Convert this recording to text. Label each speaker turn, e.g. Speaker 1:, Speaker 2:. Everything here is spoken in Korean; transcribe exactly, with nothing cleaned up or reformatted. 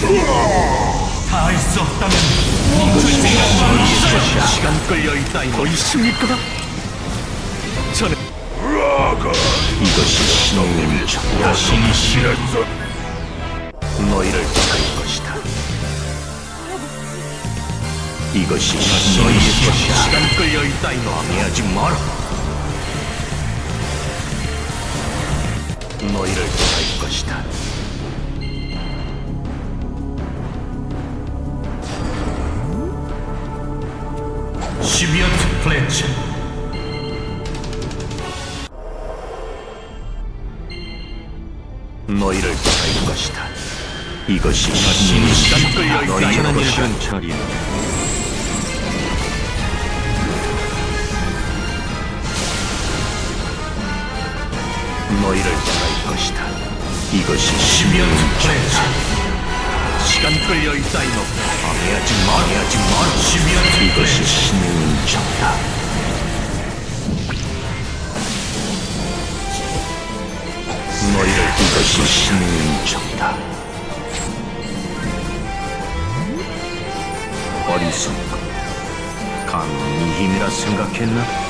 Speaker 1: 다 할 수 없다면 멈출 생각만 없어요. 시간 끌려 있다 이거 있습니까? 저는
Speaker 2: 이것이 신의 정
Speaker 1: 신이 싫었어.
Speaker 2: 너희를 택할 것이다. 이것이 신의
Speaker 1: 너희
Speaker 2: 것이야.
Speaker 1: 시간 끌려 있다 이거
Speaker 2: 방해하지 마라. 너희를 택할 것이다.
Speaker 1: 시비어트 플래치.
Speaker 2: 너희를 택할 것이다. 이것이
Speaker 1: 신이 시간 끌려 있다
Speaker 2: 너희의
Speaker 1: 이거
Speaker 2: 것이야. 차리는 너희를 택할 것이다. 이것이
Speaker 1: 시비어트
Speaker 2: 신의
Speaker 1: 플래치. 시간 끌려 있다 이거
Speaker 2: 방해하지 마라. 방해하지 마라.
Speaker 1: 시비어트
Speaker 2: 이것이
Speaker 1: 플래치.
Speaker 2: 신의 정다. 너희를 이것이 신의 정다. 어리석고 강한 이 힘이라 생각했나?